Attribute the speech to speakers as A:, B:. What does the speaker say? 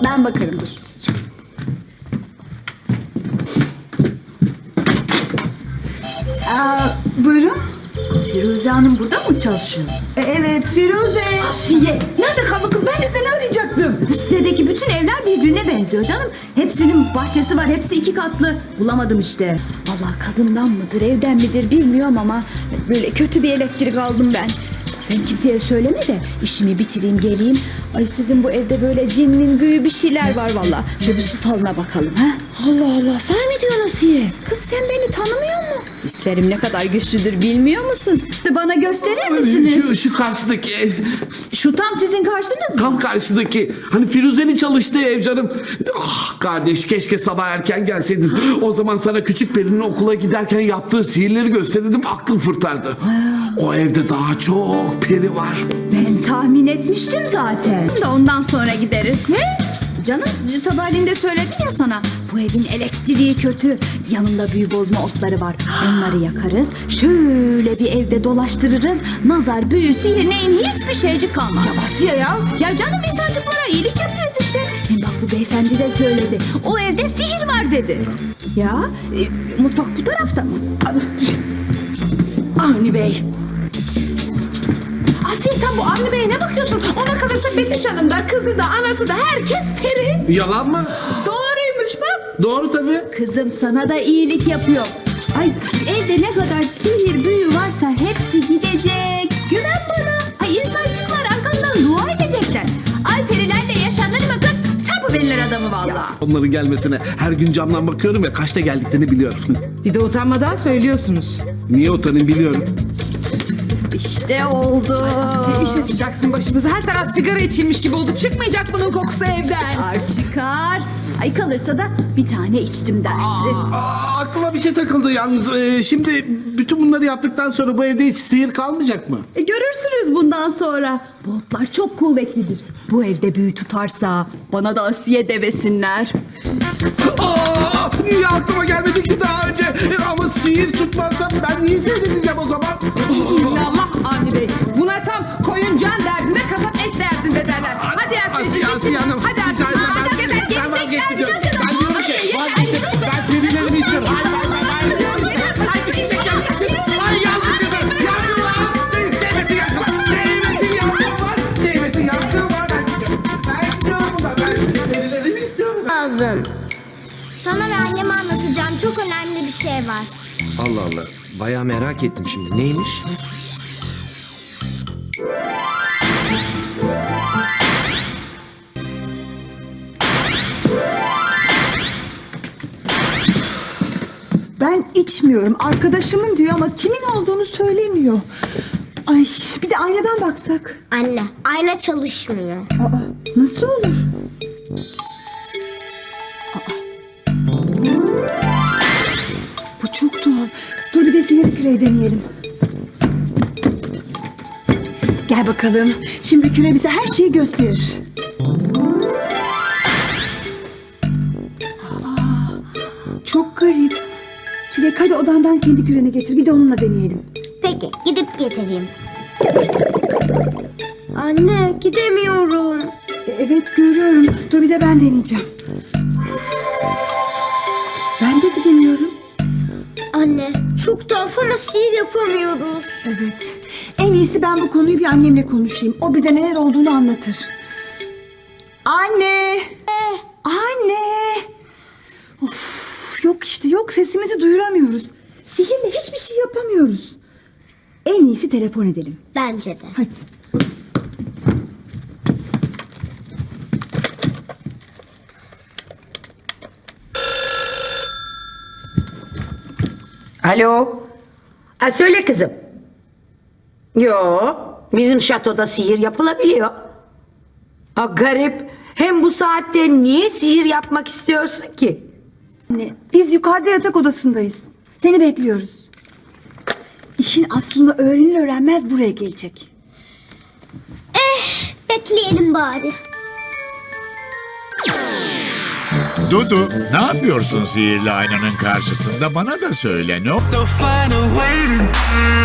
A: Ben bakarım dur. Buyurun.
B: Firuze Hanım burada mı çalışıyor?
A: Evet Firuze.
B: Asiye, nerede kaldı kız? Ben de seni arayacaktım. Bu sitedeki bütün evler birbirine benziyor canım. Hepsinin bahçesi var, hepsi 2 katlı. Bulamadım işte. Vallahi kadından mıdır, evden midir bilmiyorum ama böyle kötü bir elektrik aldım ben. Sen kimseye söyleme de işimi bitireyim geleyim. Ay sizin bu evde böyle cinmin büyü bir şeyler var vallahi. Şöyle bir su falına bakalım ha. Allah Allah, sen mi diyorsun Asiye? Kız sen beni tanımıyor musun? Hislerim ne kadar güçlüdür bilmiyor musun? Bana gösterir misiniz?
C: Şu karşıdaki ev.
B: Şu tam sizin karşınız mı?
C: Tam karşıdaki. Hani Firuze'nin çalıştığı ev canım. Ah kardeş, keşke sabah erken gelseydin. O zaman sana küçük Peri'nin okula giderken yaptığı sihirleri gösterirdim, aklın fırtardı. O evde daha çok peri var.
B: Ben tahmin etmiştim zaten. Da ondan sonra gideriz. Ne? Canım sabahleyin de söyledim ya sana. Bu evin elektriği kötü. Yanında büyü bozma otları var. Onları yakarız. Şöyle bir evde dolaştırırız. Nazar, büyü, sihir neyin hiçbir şeycik kalmaz. Ya Asiye ya. Ya canım insancıklara iyilik yapıyoruz işte. Hem bak bu beyefendi de söyledi. O evde sihir var dedi. Ya mutfak bu tarafta mı? Avni Bey.
D: Asiye sen bu Avni Bey'e ne bakıyorsun? Ona kalırsa Betüş Hanım da kızı da anası da herkes peri.
C: Yalan mı?
D: Doğruymuş bak.
C: Doğru tabii.
B: Kızım sana da iyilik yapıyor. Ay evde ne kadar sihir büyü varsa hepsi gidecek. Güven bana. Ay insancıklar arkandan dua edecekler. Ay perilerle yaşanır mı kız? Çarpıverirler adamı vallahi.
C: Onların gelmesine her gün camdan bakıyorum ve kaçta geldiklerini biliyorum.
D: Bir de utanmadan söylüyorsunuz.
C: Niye utanayım biliyorum.
B: İşte oldu.
D: İş açacaksın başımıza. Her taraf sigara içilmiş gibi oldu. Çıkmayacak bunun kokusu evden.
B: Çıkar. Ay kalırsa da bir tane içtim dersi.
C: Aklıma bir şey takıldı yalnız. Şimdi bütün bunları yaptıktan sonra bu evde hiç sihir kalmayacak mı?
B: Görürsünüz bundan sonra. Bu otlar çok kuvvetlidir. Bu evde büyü tutarsa bana da Asiye devesinler.
C: Niye aklıma gelmedi ki daha önce? Ama sihir tutmazsa ben niye seyredeceğim o zaman?
D: İllallah Avni Bey. Buna tam koyun can derdinde, kasap et derdinde derler. Hadi Asiye'cim
C: Asiye Hanım.
D: Hadi Asiye. Hadi
C: Ben vazgeçeceğim. Ben diyorum ki vazgeçeceğim. Ben perilerimi istiyorum. Hayır. Ay yandım kızım. Yandım lan. Değmesin yandım var. Değmesin yandım var. Ben istiyorum da. Ben perilerimi istiyorum.
E: Lazım. Sana ve anneme anlatacağım çok önemli bir şey var.
F: Allah Allah. Bayağı merak ettim şimdi. Neymiş?
A: Ben içmiyorum. Arkadaşımın diyor ama kimin olduğunu söylemiyor. Ay bir de aynadan baksak.
E: Anne, ayna çalışmıyor.
A: Aa, nasıl olur? Bu çok tuhaf. Dur bir de sihirli küreyi deneyelim. Gel bakalım. Şimdi küre bize her şeyi gösterir. Çok garip. Çilek hadi odandan kendi küreni getir. Bir de onunla deneyelim.
E: Peki, gidip getireyim. Anne, gidemiyorum.
A: Evet görüyorum. Dur bir de ben deneyeceğim. Ben de gidemiyorum.
E: Anne, çok tuhaf ama sihir yapamıyoruz.
A: Evet. En iyisi ben bu konuyu bir annemle konuşayım. O bize neler olduğunu anlatır. Anne! Anne! Of, yok işte yok sesimizi duyuramıyoruz. Sihirle hiçbir şey yapamıyoruz. En iyisi telefon edelim.
E: Bence de.
A: Hadi.
G: Alo. Ha, söyle kızım. Yo, bizim şatoda sihir yapılabiliyor. Ha, garip. Hem bu saatte niye sihir yapmak istiyorsun ki?
A: Anne, biz yukarıda yatak odasındayız. Seni bekliyoruz. İşin aslında öğrenir öğrenmez buraya gelecek.
E: Bekleyelim bari.
H: Dudu, ne yapıyorsun sihirli aynanın karşısında? Bana da söyle, ne?
I: So find a way to